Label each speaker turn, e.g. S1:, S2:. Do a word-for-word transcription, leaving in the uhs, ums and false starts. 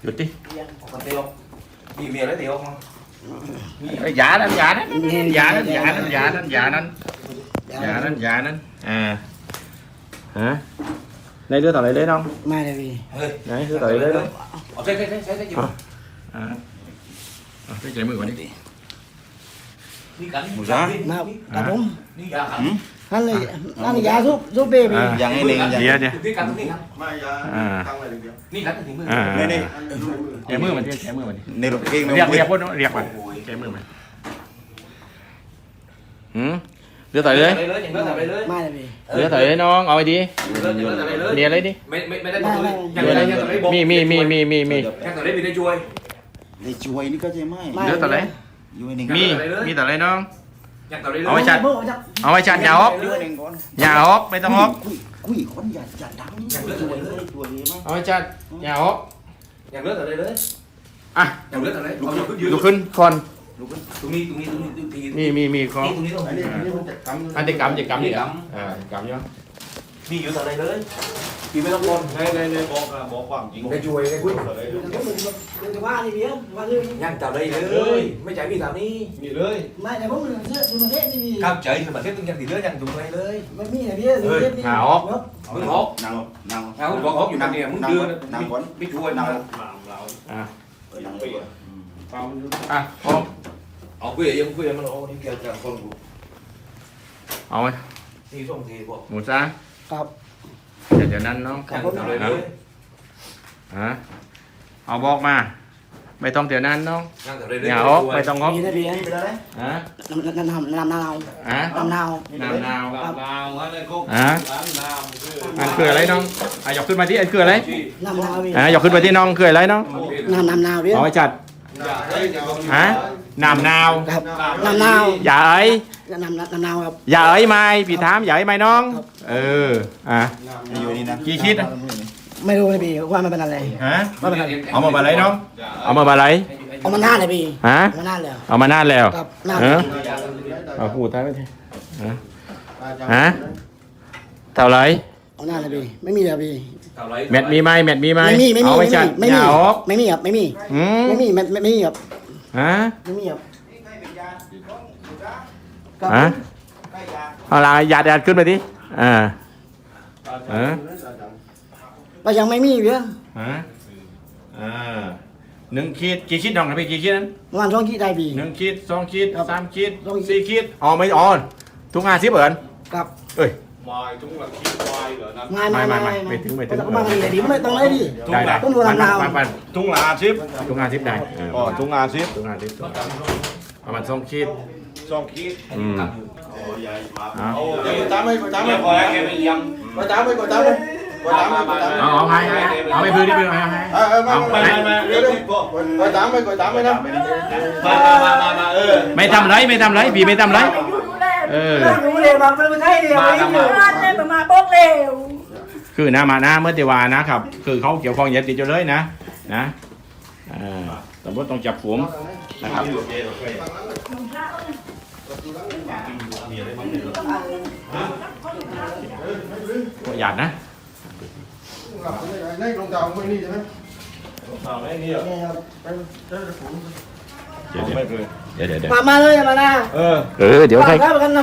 S1: หยุดดิ
S2: Còn tiêu vì mía lấy tiêu không?
S1: Dạ đó, dạ đó, dạ đó, dạ đó, dạ đó, dạ đó, dạ đó, dạ đó. À, hả? Đây đứa tao lại lấy đâu?
S3: Mai là vì
S1: Đấy, đứa tao lại lấy đâu?
S2: Ở đây, đây, đây, đây, đây.
S1: À, à, cái chạy mười vào đi.
S2: Đi cắn.
S1: Một giá.
S3: nào đã đúng
S2: Đi ra cắn.
S3: hắn là hắn là giá giúp giúp bê vì
S1: À,
S4: Dặn cái này dặn.
S1: Gì vậy?
S2: Đi cắn, đi cắn.
S1: À,
S2: Đi cắn thì mười.
S1: à,
S4: Đây, đây.
S1: chạy mười mình đi, chạy mười mình đi.
S4: Này là cái
S1: Riệp, riệp quá nó, riệp mà. Chạy mười mình. Ừ, đứa tao lấy.
S2: Đây lấy, nhận lấy, lấy.
S3: mai là vì
S1: Đứa tao lấy nó ngồi đi.
S2: Lấy,
S1: Mẹ lấy đi.
S2: Mày mày mày lấy một túi. Nhận lấy, nhận lấy bột.
S1: Mi mi mi mi mi mi.
S2: Nhận lấy vì đây chui.
S4: Đây chuối nó có gì mai.
S1: Đứa tao lấy.
S4: Chuối này.
S1: Mi, mi tao lấy nó.
S2: Nhận lấy.
S1: Ở chặt. Ở ngoài chặt nhà ốp.
S4: Chuối này con.
S1: Nhà ốp, mấy tao ốp.
S4: Quỷ con giặt giặt đắng. Chuối này chuối này mà.
S1: Ở ngoài chặt nhà ốp.
S2: Nhận lấy ở đây lấy.
S1: À,
S2: Nhận lấy ở đây.
S1: luộcขึ้น con.
S2: Tụi mi, tụi mi, tụi mi, tụi mi.
S1: Mi mi mi con.
S2: Tụi mi thôi.
S1: Anh thì cầm thì cầm đi
S2: Cầm.
S1: À, cầm nhá.
S2: Đi giữa ở đây lấy. Đi mấy con.
S5: đây đây đây bỏ bỏ khoảng chín
S2: Cái chui, cái quýt.
S3: qua đi biết qua đi
S2: Nhanh vào đây lấy. Mấy trái vì tao đi.
S5: nghỉ lơi
S3: mai là bố mình sẽ mình hết đi
S2: Cam chạy mà xếp nhanh thì đứa nhanh tụi đây lấy.
S3: mai mi là biết rồi biết đi
S1: Hà ốp.
S2: Muốn hốt.
S4: Nào, nào.
S2: Nào hốt hốt dùng này muốn đưa
S4: Nào con.
S2: biết chui nào.
S5: làm lão
S1: À,
S5: ở trong bì bao nhiêu
S1: à, con.
S2: Ở quê em quê em nó đi kia cả con.
S1: Ôi,
S2: Đi xong thì bộ.
S1: một ra.
S3: ครับ
S1: เดี๋ยวเดี๋ยวนั้นน้อง
S2: Nhanh vào đây lấy.
S1: ฮะเอาบอกมา ไม่ต้องเดี๋ยวนั้นน้อง
S2: Nhanh vào đây lấy.
S1: อย่าฮอกไม่ต้องฮอก
S3: vì là vì
S1: ฮะ
S3: năm năm năm nào
S1: ฮะ
S3: năm nào
S1: นาวนา
S5: làm
S1: ว
S5: nào hết đây cô
S1: Hả?
S5: làm nào cứ
S1: อันคืออะไรน้องอ่ะยกขึ้นมาที่อันคืออะไร
S3: năm nào vì
S1: อ่ะยกขึ้นมาที่น้องคืออะไรน้อง
S3: năm năm nào biết
S1: เอาไว้จัด
S5: dạ đây thì còn
S1: ฮะนามนาว
S3: ครับnăm nào
S1: อย่าเอ้ย
S3: năm năm nào ครับ
S1: อย่าเอ้ยไม่พี่ถามอย่าเอ้ยไม่น้อง เออ อ่ะ
S4: Chuối này nè.
S1: Chi chít à?
S3: ไม่รู้เลยพี่ว่ามันเป็นอะไร
S1: ฮะ เอามาบาไรน้อง เอามาบาไร
S3: เอามานานเลยพี่
S1: ฮะ
S3: เอามานานแล้ว
S1: เอามานานแล้ว
S3: ครับนาน
S1: เออเอาพูดท้ายไปทีฮะฮะเท่าไหร
S3: เอานานเลยพี่ไม่มีเลยพี่
S2: Tao lấy.
S1: แมทมีไหมแมทมีไหม
S3: ไม่มีไม่มี
S1: เอาไว้
S3: ไม่
S1: จัด
S3: มีไม่
S1: อ
S3: มี
S1: ย่าออก
S3: ไม่มีครับไม่มี
S1: อืม
S3: ไม่มีไม่ไม่มีครับ
S1: ฮะ
S3: ไม่มีครับ
S1: ฮะเอาละหยาดหยาดขึ้นไปดิอ่าฮะ
S3: ก็ยังไม่มีเพื่อน
S1: ฮะอ่าหนึ่งขีดกี่ขีดน้องนะพี่กี่ขีดนั้น
S3: ประมาณช่องที่ได้พี่
S1: หนึ่งขีดสองขีด
S3: ครับ
S1: สามขีด
S3: สองขีด
S1: สี่ขีดอ๋อไม่อ๋อทุกงานสิบเหรอ
S3: ครับ
S1: เอ้ย
S5: ngoài chúng là khi ngoài ở nằm
S3: ไม่ไม่
S1: ไม่
S3: ไม่
S1: ไม่ไม่ถึงไม่ถึง
S3: ต้องมาเลยดิไม่ต้องเลยดิ
S1: ได้ได้
S3: ต้องดูลำนาว
S1: ปันปัน
S5: chúng là ship
S1: ทุกงานสิบได้เออ
S5: ờ chúng là ship
S1: ทุกงานสิบประมาณสองขีด
S5: xong khi
S1: อืม
S5: ồ vậy mà
S1: À.
S5: ồ vậy có tám mươi có tám mươi em bị dầm có tám mươi có tám mươi có tám mươi có tám mươi
S1: เอาเอาให้ให้เอาไปพื้นที่พื้นให้ให้
S5: ờ ờ mà
S1: Không,
S5: mà
S1: này.
S5: mà có tám mươi có tám mươi năm mà mà mà mà mà ừ
S1: ไม่ทำไรไม่ทำไรพี่ไม่ทำไรเออ
S3: รู้เลยว่ามันไม่ใช่เลย
S5: มาทำไม
S3: ร้านเนี่ยมันมาบอกเร็ว
S1: คือนะมานะเมื่อติวานะครับ คือเขาเกี่ยวข้องยาติดอยู่เลยนะนะอ่าตำรวจต้องจับผมนะครับหยาดนะ
S5: đây con tàu mới đi chứ tàu đấy đi à
S1: เดี๋ยวเดี๋ยวเดี๋ยวเดี๋ยว
S3: มามาเลยมานะ
S5: ờ
S1: เออเดี๋ยวให้
S3: ฝากไว้ประกัน